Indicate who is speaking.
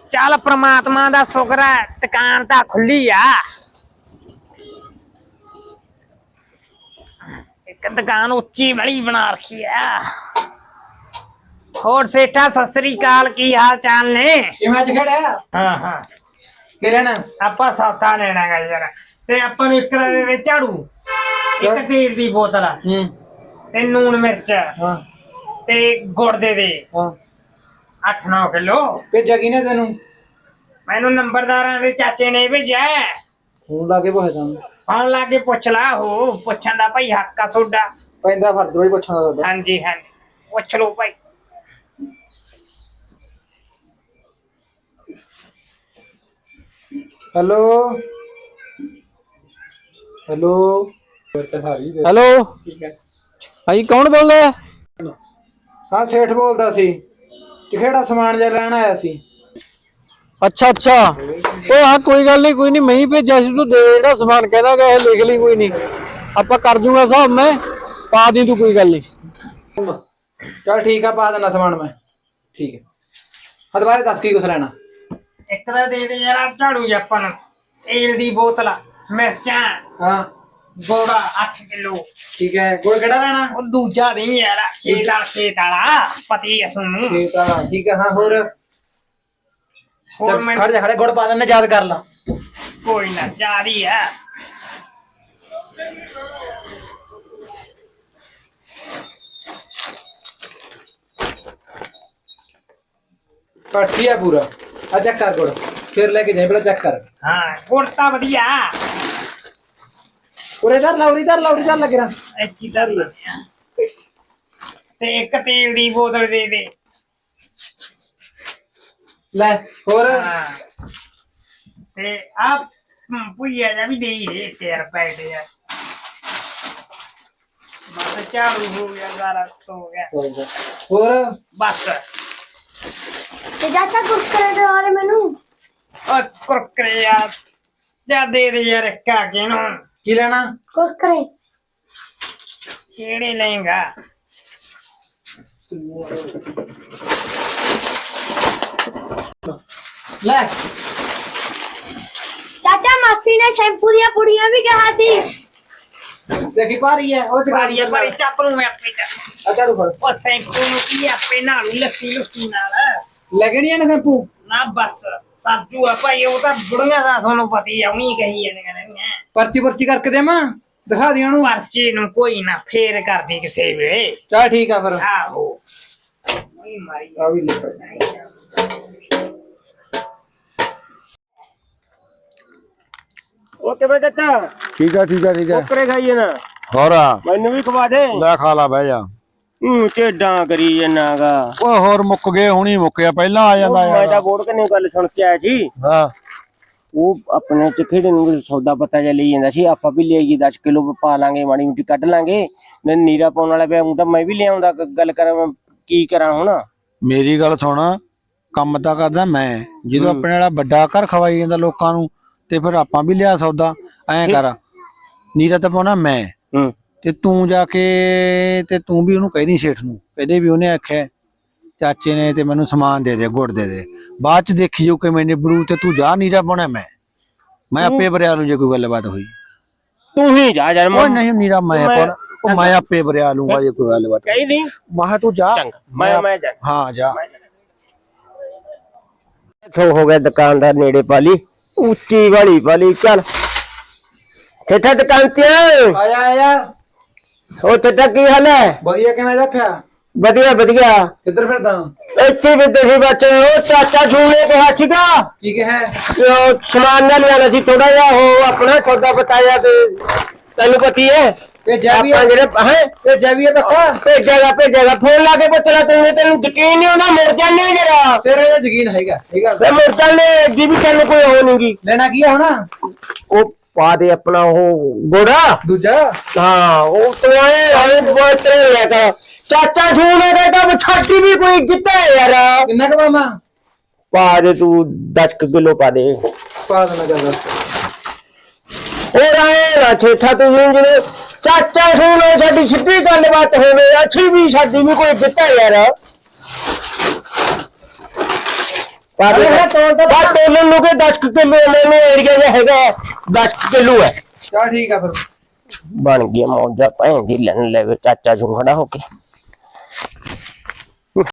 Speaker 1: चल परमात्मा दा शुक्र है दुकान तां खुली आ। एक दुकान उच्ची बड़ी बना रखी है। होर सेठा सत श्री अकाल, की हाल चाल ने? हाँ हाँ आपां सौदा लेना गा यार, ते आपां नूं एक झाड़ू, एक तेल दी बोतल ते लूण मिर्च ते गुड़ दे 8-9 किलो।
Speaker 2: भेजा किने तेनू?
Speaker 1: मैनू नंबरदारां दे चाचे ने भेजा।
Speaker 2: फोन ला के पुछदा,
Speaker 1: फोन ला के पुछ ला, हो पुछण दा भाई हक्क आ सोडा।
Speaker 2: पैंदा फर्ज भाई पुछण दा।
Speaker 1: हां जी हां, पुछ लो भाई।
Speaker 2: हेलो हेलो
Speaker 3: हेलो भाई कौन बोल रहा है?
Speaker 2: हाँ सेठ बोलदा सी, किहड़ा समान जा लैण आया सी।
Speaker 3: अच्छा अच्छा, ओ हाँ कोई गल नहीं, कोई नहीं, मैं ही भेजा सी। तू दे जेड़ा समान कहना गया है, लिख ली, कोई नहीं आपा कर दूंगा साहब, मैं पा दी, तू कोई गल नहीं।
Speaker 2: चल ठीक है, पा देना समान मैं। ठीक है, हाँ दोबारा दस की कुछ लेना।
Speaker 1: एक दा दे दे यार झाड़ू जी आपां नूं, तेल दी बोतल, मिर्चां,
Speaker 2: हाँ
Speaker 1: गुड़ 8 किलो।
Speaker 2: ठीक है, गुड़ केड़ा लेना?
Speaker 1: ओ दूजा नहीं यार, खेत वाला पति है सुनू।
Speaker 2: ठीक है, हाँ होर
Speaker 1: मैं
Speaker 2: खड़ जा, खड़े गुड़ पा देना, याद कर ला।
Speaker 1: कोई ना, जा रही है।
Speaker 2: काठी है पूरा, आ चेक कर गुड़, फिर लेके जाए, पहले चेक कर।
Speaker 1: हाँ गुड़ तां वधिया।
Speaker 2: उरे धर ला, उरी धर लगे रहा।
Speaker 1: ਇੱਥੇ ਧਰ ਲੈਂਦੇ ਆ ਤੇ ਇੱਕ ਤੇਲ ਦੀ ਬੋਤਲ ਦੇ ਦੇ।
Speaker 2: ਲੈ ਹੋਰ
Speaker 1: ਤੇ ਆ ਭੁਈਆ ਜਾ ਵੀ ਦੇ ਹੀ ਦੇ 1 ਰੁਪਏ ਦੇ ਯਾਰ। ਬਸ ਝਾੜੂ ਹੋ ਗਿਆ, ਸਾਰਾ ਸੋ ਗਿਆ।
Speaker 2: ਹੋਰ
Speaker 1: ਬਸ
Speaker 4: ਤੇ ਚਾਚਾ ਕੁਰਕਰੇ ਦੇ ਵਾਲੇ ਮੈਨੂੰ
Speaker 1: ਉਹ ਕੁਰਕਰੇ ਯਾਰ ਜਾ ਦੇ ਦੇ ਯਾਰ, ਇੱਕ ਆ ਕੇ ਨੂੰ।
Speaker 2: ਕੀ ਲੈਣਾ?
Speaker 4: ਕੁਰਕਰੇ
Speaker 1: ਕਿਹੜੇ ਲਏਗਾ?
Speaker 2: ਲੈ
Speaker 4: ਚਾਚਾ ਮਾਸੀ ਨੇ ਸ਼ੈਂਪੂ ਦੀਆਂ ਪੁੜੀਆਂ ਵੀ ਕਿਹਾ ਸੀ।
Speaker 2: ਦੇਖੀ ਭਾਰੀ ਹੈ ਉਹ
Speaker 1: ਬਾਰੀ ਬਾਰੀ ਚੱਪ ਨੂੰ ਮੈਂ ਆਪੇ ਚ।
Speaker 2: ਆ ਝਾੜੂ ਫੜ।
Speaker 1: ਉਹ ਸੈਂਪੂ ਨੂੰ ਕੀ ਆਪੇ ਨਾਲੂ ਲੱਸੀ ਲੁੱਸੀ ਨਾਲ
Speaker 2: ਲੈ ਕੇ ਨਹੀਂ ਆਣਾ ਸ਼ੈਂਪੂ
Speaker 1: ਨਾ, ਬਸ ਸਾਜੂ ਆ ਭਾਈ, ਉਹ ਤਾਂ ਬੁੜੀਆਂ ਦਾ ਤੁਹਾਨੂੰ ਪਤਾ ਹੀ ਆ, ਉਹੀ ਕਹੀ ਜਾਂਦੀਆਂ।
Speaker 2: ਪਰਚੀ ਕਰਕੇ ਦੇਵਾਂ, ਦਿਖਾ ਦੇ ਉਹਨੂੰ।
Speaker 1: ਪਰਚੀ ਨੂੰ ਕੋਈ ਨਾ, ਫੇਰ ਕਰਦੀ ਕਿਸੇ ਵੇਲੇ।
Speaker 2: ਚਲ ਠੀਕ ਆ ਫਿਰ।
Speaker 1: ਆਹੋ ਉਹੀ ਮਾਰੀ
Speaker 2: ਆ ਵੀ ਲੈ।
Speaker 1: ਓਕੇ ਬੇ ਚਾਚਾ,
Speaker 3: ठीक है ठीक है ठीक है।
Speaker 1: ਕੁਰਕਰੇ ਖਾਈਏ ਨਾ,
Speaker 3: हो रहा
Speaker 1: ਮੈਨੂੰ ਵੀ ਖਵਾ ਦੇ।
Speaker 3: ले खा ला, बह जा।
Speaker 1: ਢੇਡਾਂ ਕਰੀ ਜਨਾਗਾ।
Speaker 3: ओए होर मुक गए, हुणी मुक्या, पहला आ जांदा
Speaker 1: ਮੈਂ ਤਾਂ
Speaker 3: यार।
Speaker 1: ਗੋੜ ਕਨੇ ਗੱਲ ਸੁਣ ਕੇ ਆਇਆ ਸੀ।
Speaker 3: हां
Speaker 1: ਉਹ ਆਪਣੇ ਚ ਖੇੜੇ ਨੂੰ ਸੌਦਾ ਪੱਤਾ ਜਿਹਾ ਲਈ ਜਾਂਦਾ ਸੀ, ਆਪਾਂ ਵੀ ਲਿਆਈਏ 10 ਕਿਲੋ ਪਾ ਲਾਂਗੇ, ਮਾੜੀ ਮੋਟੀ ਕੱਢ ਲਾਂਗੇ। ਮੈਂ ਨੀਰਾ ਪਾਉਣ ਵਾਲਾ ਪਿਆ, ਤਾਂ ਮੈਂ ਵੀ ਲਿਆਉਂਦਾ, ਗੱਲ ਕਰਾਂ ਮੈਂ ਕੀ ਕਰਾਂ ਹੁਣ।
Speaker 3: मेरी गल सुन, ਕੰਮ ਤਾਂ ਕਰਦਾ ਮੈਂ, ਜਦੋਂ ਆਪਣੇ ਵਾਲਾ ਵੱਡਾ ਘਰ ਖਵਾਈ ਜਾਂਦਾ ਲੋਕਾਂ ਨੂੰ, ਤੇ ਫਿਰ ਆਪਾਂ ਵੀ ਲਿਆ ਸੌਦਾ। ਐਂ ਕਰ, ਨੀਰਾ ਤਾਂ ਪਾਉਣਾ ਮੈਂ, ਤੇ ਤੂੰ ਜਾ ਕੇ ਤੇ ਤੂੰ ਵੀ ਉਹਨੂੰ ਕਹਿਦੀ ਸੇਠ ਨੂੰ, ਕਹਦੇ ਵੀ ਉਹਨੇ ਆਖਿਆ ਚਾਚੇ ਨੇ ਤੇ ਮੈਨੂੰ ਸਮਾਨ ਦੇ ਦੇ, ਗੁੜ ਦੇ ਦੇ, ਬਾਅਦ ਚ ਦੇਖੀ ਜੋ ਕਿਵੇਂ ਨਿਬੜੂ, ਤੇ ਤੂੰ ਜਾ ਨੀਰਾ ਪਾਉਣਾ ਮੈਂ ਆਪੇ ਬਰਿਆ ਲੂ ਜੇ ਕੋਈ ਗੱਲਬਾਤ ਹੋਈ।
Speaker 1: ਤੂੰ ਹੀ ਜਾ ਯਾਰ।
Speaker 3: ਉਹ ਨਹੀਂ ਨੀਰਾ ਮੈਂ ਪਾਉਣਾ, ਉਹ ਮੈਂ ਆਪੇ ਬਰਿਆ ਲੂੰਗਾ ਜੇ ਕੋਈ ਗੱਲਬਾਤ
Speaker 1: ਕਹੀ ਨਹੀਂ।
Speaker 3: ਮੈਂ ਤੂੰ ਜਾ,
Speaker 1: ਮੈਂ ਜਾ।
Speaker 3: ਹਾਂ ਜਾ।
Speaker 1: ਹੋ ਗਿਆ ਦੁਕਾਨਦਾਰ ਨੇੜੇ ਪਾਲੀ, ਉੱਚੀ ਵਾਲੀ ਪਾਲੀ। ਚੱਲ ਠੇਠਾ ਦੁਕਾਨ ਤੇ
Speaker 2: ਆਇਆ
Speaker 1: ਉਹ ਠੇਠਾ ਕੀ ਹਾਲ ਹੈ?
Speaker 2: ਵਧੀਆ, ਕਿਵੇਂ ਰੱਖਿਆ?
Speaker 1: ਵਧੀਆ ਵਧੀਆ।
Speaker 2: ਕਿੱਧਰ ਫਿਰਦਾ?
Speaker 1: ਇੱਥੇ ਵੀ ਤੁਸੀਂ ਬੱਚੇ, ਉਹ ਚਾਚਾ ਛੂਲੇ ਕਿਹਾ ਸੀਗਾ
Speaker 2: ਕੀ ਕਿਹਾ?
Speaker 1: ਉਹ ਸਮਾਨ ਨਾ ਲਿਆਣਾ ਸੀ ਥੋੜਾ ਜਿਹਾ, ਉਹ ਆਪਣਾ ਸੌਦਾ ਬਤਾਇਆ, ਤੇ ਤੈਨੂੰ ਪਤੀ ਹੈ
Speaker 2: ਭੇਜਿਆ ਵੀ
Speaker 1: ਆਪਾਂ ਜਿਹੜੇ ਹੈ
Speaker 2: ਭੇਜਿਆ ਵੀ ਪੱਕਾ?
Speaker 1: ਭੇਜੇਗਾ। ਫੋਨ ਲਾ ਕੇ ਪੁੱਛ ਲੈ, ਤੈਨੂੰ ਯਕੀਨ ਨਹੀਂ ਹੋਣਾ, ਮੁੜ ਜਾਂਦੇ ਜਰਾ।
Speaker 2: ਤੇਰੇ ਤੇ ਯਕੀਨ ਹੈਗਾ?
Speaker 1: ਮੈਂ ਮੁੜ ਜਾਂਦੇ ਜੀ, ਵੀ ਤੈਨੂੰ ਕੋਈ ਹੋ ਨਹੀਂਗੀ।
Speaker 2: ਲੈਣਾ ਕੀ ਹੈ ਹੁਣ?
Speaker 1: ਉਹ ਪਾ ਦੇ ਆਪਣਾ ਉਹ ਗੋੜਾ
Speaker 2: ਦੂਜਾ।
Speaker 1: ਹਾਂ, ਉਹ ਤੂੰ ਬੋਤਰੇ ਲੈ ਕੇ ਚਾਚਾ ਛੂਨੇ ਦਾ ਤਾਂ ਛੱਡੀ ਵੀ ਕੋਈ ਕਿੱਥੇ ਯਾਰ।
Speaker 2: ਕਿੰਨਾ ਕੁ ਮਾਮਾ?
Speaker 1: ਪਾ ਦੇ ਤੂੰ 10 ਕਿਲੋ ਪਾ ਦੇ।
Speaker 2: ਪਾ ਦੇਣਾ ਚੱਲ।
Speaker 1: ਹੋਰ ਆਏ ਨਾ ਠੇਠਾ, ਤੂੰ ਜਿਹੜੇ ਚਾਚਾ ਛੂਨੇ ਸਾਡੀ ਸਿੱਧੀ ਗੱਲਬਾਤ ਹੋਵੇ, ਅੱਛੀ ਵੀ ਸਾਡੀ ਵੀ ਕੋਈ ਕਿੱਥੇ ਯਾਰ।
Speaker 5: ਪਾ ਦੇ
Speaker 2: ਅਰੇ ਤੋਲ ਤਾਂ
Speaker 5: ਬਾ ਤੋਲਣ ਨੂੰ ਕਿ 10 ਕਿਲੋ ਮੈਨੂੰ ਏਰੀਆ ਜਿਹਾ ਹੈਗਾ 10 ਕਿਲੋ ਹੈ
Speaker 2: ਚੱਲ ਠੀਕ ਆ ਫਿਰ
Speaker 5: ਬਣ ਗਿਆ ਮੌਜਾ ਭੈਣ ਦੀ ਲੈਣ ਲੈਵੇ ਚਾਚਾ ਜੂ ਖੜਾ ਹੋ ਕੇ